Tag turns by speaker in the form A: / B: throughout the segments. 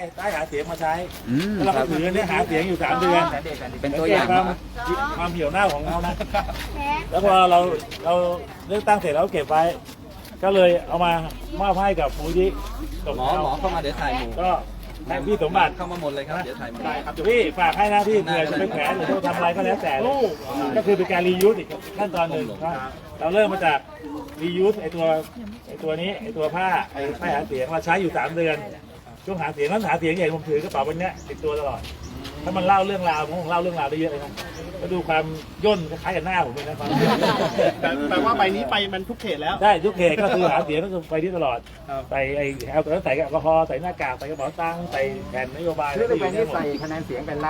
A: ป้ายหาเสียงมาใช้
B: ค
A: เรา
B: รั
A: ก็
B: บ
A: ถือเนี่ยหาเสียงอยู่3 เดือน
B: เป็นตัวอย่าง
A: ความเหี่ยวเน่าของเขานะแล้วพอเราเลือกตั้งเสร็จแล้วเก็บไว้ ก็เลยเอามามอบให้กับมูลที่ตก
C: หมอเข้ามาเดี๋ยวถ่ายหมู่
A: ก็ให้พี่สมบัติ
C: เข้ามาหมดเลยครับเดี๋ยวถ่ายหมู่
A: ครับพี่ฝากให้นะพี่เผื่อจะไปแขวนหรือจะทำอะไรก็แล้วแต่ก็คือเป็นการรียูสอีกขั้นตอนหนึ่งเราเริ่มมาจากรียูสไอตัวนี้ไอตัวผ้าไอป้ายหาเสียงเราใช้อยู่3 เดือนช่วงหาเสียงนั้นหาเสียงใหญ่ผมถือกระเป๋าใบนี้ติดตัวตลอดถ้ามันเล่าเรื่องราวผมเล่าเรื่องราวได้เยอะเลยนะก็ดูความย่นคล้ายกับหน้าผมเลยนะครับ
D: แต่ว่าใบนี้ไปมันทุกเขตแล้ว
A: ใช่ทุกเขตก็คือหาเสียงก็คือไปที่ตลอดใส่ไอ้แอลกอฮอล์ใส่แอลกอฮอล์ใส่หน้ากากใส่กระเป๋าตังค์ใส่แผ่นนโยบาย
B: คือไปนี้ใส่คะแนนเสียงเป็น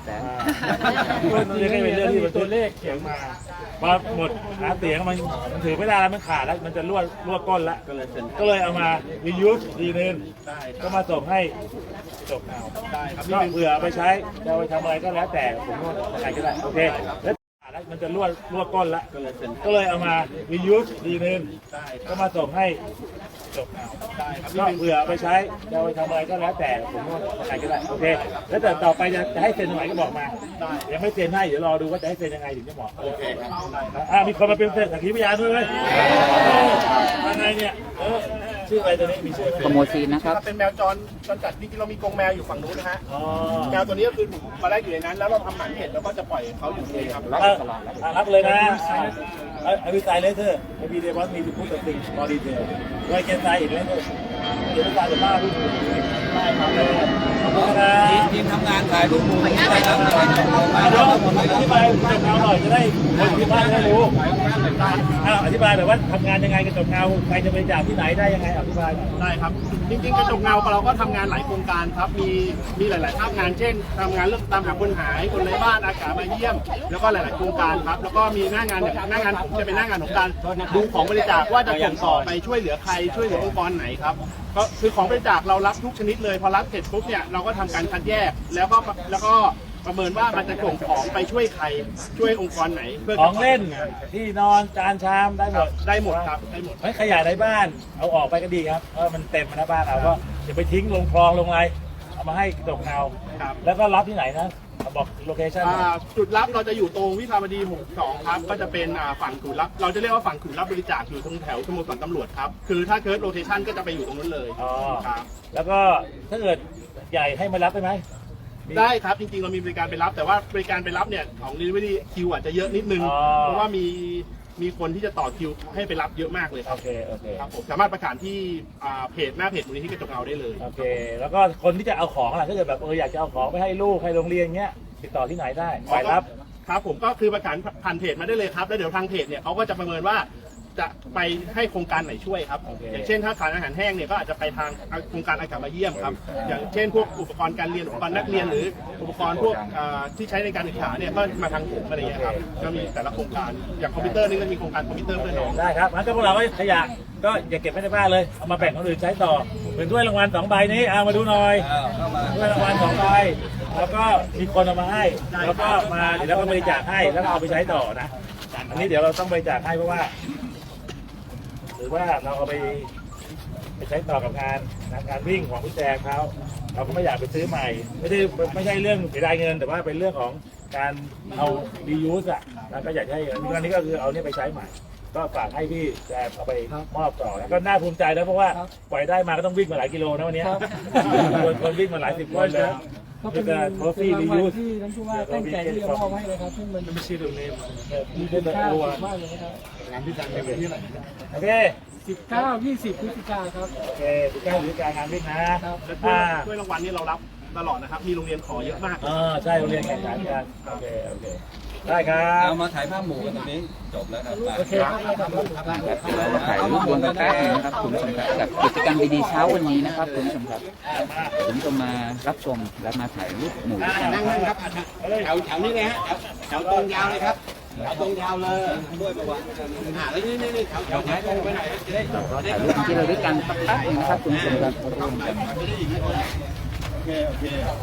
B: 1,300,000
A: นี่ก็เป็นเรื่องที่มันตัวเลขเขียนมาพอหมดหาเสียงมันถือไม่ได้แล้วมันขาดแล้วมันจะรั่วก้นแล้วก็เลยเอามา reuse ดีนึงก็มาส่งให้จบเอาก็เผื่อเอาไปใช้จะเอาไปทำอะไรก็แล้วแต่ผมว่าใครก็ได้โอเคแล้วมันจะรั่วก้นแล้วก็เลยเอามา reuse ดีนึงก็มาส่งให้จบเอาก็เผื่อเอาไปใช้จะเอาไปทำอะไรก็แล้วแต่ผมว่าใครก็ได้โอเคแล้วแต่ต่อไปจะให้เซ็นตรงไหนก็บอกมายังไม่เซ็นให้เดี๋ยวรอดูว่าจะให้เซ็นยังไงถึงจะเหมาะโอเคมีคนมาเป็นสักขีพยานด้วยไหมอะไรเนี่ยชื่ออะไรตัวนี้มีชื่อไหม
B: ขโมยซีนนะครับ
D: เป็นแมวจรจัดจริงๆเรามีกรงแมวอยู่ฝั่งนู้นนะฮะแมวตัวนี้ก็คือถูกมาแรกอยู่ในนั้น แล้วเราทำหมันเห็ดแล้วก็จะปล่อยเขาอยู่ที่นี่ครับ
A: รับเลยนะไอ้วิจัยเลเทอร์ไอ้บีเดบอสมีพูดต่อสิ่งบอดีเทลไว้เกณฑ์ใจอีกเลเทอร์เดี๋ยวตาจะบ้าพี่ได้ครับเลยขอบคุณนะ
C: ทีมทำงานถ่ายรูปหมู่ได้ครับ
A: เดี๋ยวอธิบายจบเงาหน่อยจะได้คนที่บ้านได้รู้อธิบายแบบว่าทำงานยังไงกับจบเงาใครจะไปจากที่ไหนได้ยังไงอธิบาย
D: ได้ครับ จริงๆกระจกเงาเราก็ทำงานหลายโครงการครับ มีหลายๆภาคงานเช่นทำงานเรื่องตามหาคนหายคนไร้บ้านอากาศมาเยี่ยม แล้วก็หลายๆโครงการครับ แล้วก็มีหน้างานหน้างานผมจะเป็นหน้างานของการดูของบริจาคว่าจะส่งต่อไปช่วยเหลือใครช่วยเหลือองค์กรไหนครับก็คือของบริจาคเรารับทุกชนิดเลยพอรับเสร็จปุ๊บเนี่ยเราก็ทำการคัดแยกแล้วก็ประเมินว่ามันจะส่งของไปช่วยใครช่วยองค์กรไหนเพื่อ
A: ของเล่นที่นอนจานชามได้หมด
D: ได้หมดครับได้หมด
A: ไม่ขยะในบ้านเอาออกไปก็ดีครับเพราะมันเต็มนะบ้านเราก็อย่าไปทิ้งลงคลองลงอะไรเอามาให้จบเงาแล้วก็รับที่ไหนนะบอกโลเคชั่น
D: จุดรับเราจะอยู่ตรงวิภาวดี62ครับก็จะเป็นฝั่งศูนย์รับเราจะเรียกว่าฝั่งศูนย์รับบริจาคอยู่ตรงแถวสโมสรตำรวจครับคือถ้าเคิร์ดโลเคชั่นก็จะไปอยู่ตรงนั้นเลย
A: อ๋อ
D: ครับ
A: แล้วก็ถ้าเกิดใหญ่ให้มารับได้ไหม
D: ได้ครับจริงๆเรามีบริการไปรับแต่ว่าบริการไปรับเนี่ยของ delivery คิวอาจจะเยอะนิดนึงเพราะว่ามีคนที่จะต่อคิวให้ไปรับเยอะมากเลยค
A: โอ
D: รับ
A: เคโอเค
D: ครับผมสามารถประกาศที่เพจหน้าเพจมูลนิธิกระจกเงาได้เลย
A: โอเค แล้วก็คนที่จะเอาของล่ะถ้าเกิดแบบอยากจะเอาของไปให้ลูกให้โรงเรียนเงี้ยติดต่อที่ไหนได้ฝ่ายรับ
D: ครับผมก็คือประกาศผ่านเพจมาได้เลยครับแล้วเดี๋ยวทางเพจเนี่ยเขาก็จะประเมินว่าจะไปให้โครงการไหนช่วยครับ
A: โอเค
D: อย่างเช่นถ้าขายอาหารแห้งเนี่ยก็อาจจะไปทางโครงการอากาศมาเยี่ยมครับอย่างเช่นพวกอุปกรณ์การเรียนอุปกรณ์นักเรียนหรืออุปกรณ์พวกที่ใช้ในการศึกษาเนี่ยก็มาทางผมอะไรอย่างเงี้ยครับก็มีแต่ละโครงการอย่างคอมพิวเตอร์นี่ก็มีโครงการคอมพิวเตอร์เพื่อน้อง
A: ได้ครับงั้นก็พวกเราก็ขยะก็อย่าเก็บไว้ในบ้านเลยเอามาแบ่งคนอื่นใช้ต่อเป็นถ้วยรางวัล2 ใบนี้เอามาดูหน่อยถ้วยรางวัล2 ใบแล้วก็มีคนเอามาให้แล้วก็มาเดี๋ยวเราก็บริจาคให้แล้วก็เอาไปใช้ต่อนะอันนี้เดี๋ยวเราต้องบริจาคให้เพราะว่า หรือว่าเราเอาไปใช้ต่อกับงานวิ่งของพี่แจงเขาเราก็ไม่อยากไปซื้อใหม่ไม่ใช่เรื่องเสียดายเงินแต่ว่าเป็นเรื่องของการเอา reuse อ่ะแล้วก็อยากให้อันนี้ก็คือเอาเนี่ยไปใช้ใหม่ ก็ฝากให้พี่แจงเอาไปมอบต่อแล้วก็น่าภูมิใจนะเพราะว่าปล่อยได้มาก็ต้องวิ่งมาหลายกิโลนะวันนี้คนวิ่งมาหลาย10 คนเลย
E: ก็เป็นรางวัลที่ท่านผู้ว่าตั้งใจที่จะมอบให้นะครับซึ่งมันไม่ใช่เรื่องเล่นมีคุณค่ามากเลยนะครับงานที่จัดเป็นที่ไหน
A: โอเค
E: 19-20 พฤศจิกายนครับ
A: โอเค19 พฤศจิกายนงานวิ่งนะ
D: และถ้วยรางวัลนี่เรารับตลอดนะครับมีโรงเรียนขอเยอะมาก
A: ใช่โรงเรียนแข่งขันกันโอเคได้ครับ
C: เอามาถ่ายภาพหมู่กันตรงนี้จบแล้วครับ
E: โอเคครับ
B: เราถ่ายรูปรวมกันแป๊บนึงนะครับคุณผู้ชมครับกับกิจกรรมดีๆเช้าวันนี้นะครับคุณผู้ชมครับผมจะมารับชมและมาถ่ายรูปหมู่
D: นั่งครับแถวนี้เลยฮะแถวตรงยาวเลยครับแถวตรงยาวเลยด้วยประวัติแล้วนี่แถวไหนตรงไปไหนจะได้
B: เราถ่ายรูปที่เราด้วยกันแป๊บนึงนะครับคุณผู้ชมครับร่วมกัน
D: โอเค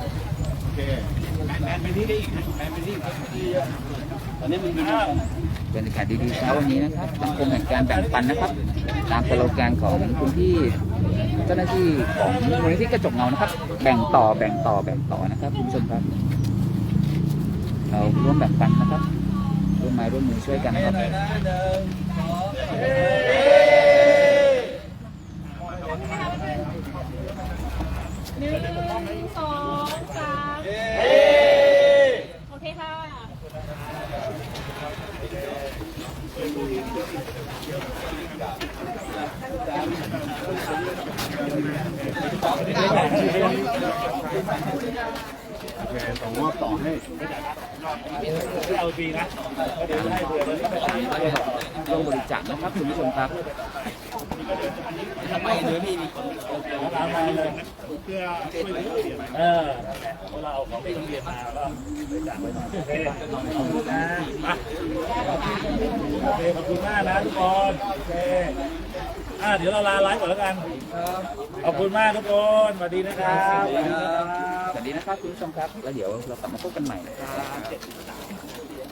D: แมนไปที่ได้อีกแมนไปที่ตอนนี้มัน
B: บรรยากาศดีๆเช้าวันนี้นะครับสังคมแห่งการแบ่งปันนะครับ ตามสโลแกนของคุณพี่เจ้าหน้าที่ของมูลนิธิกระจกเงานะครับ แบ่งต่อนะครับคุณผู้ชมครับเราร่วมแบ่งปันนะครับร่วมไม้ร่วมมือช่วยกันนะครับ
F: 1 2 3โอเคค่ะ
D: ส่งมอบต่อให้
A: ที่เอาปีนะก็เดี๋ยวให้เผื่อเลย
B: ร่วมบริจาคนะครับคุณผู้ชมครับ
C: ทำไมเนื้อพี่มีคน
A: ตามมาเลย
D: เพื่อช่วยเหลือผู้เสียหาย
A: เราเอาของไปโรงเรียนมาแล้วบริจาคไว้หน่อยโอเคขอบคุณนะโอเคขอบคุณมากนะทุกคนโอเคเดี๋ยวเราลาไลฟ์ก่อนแล้วกันขอบคุณมากทุกคนสวัสดีนะครับ
B: สวัสดีนะครับคุณผู้ชมครับ แล้วเดี๋ยวเรากลับมาพบกันใหม่นะครับ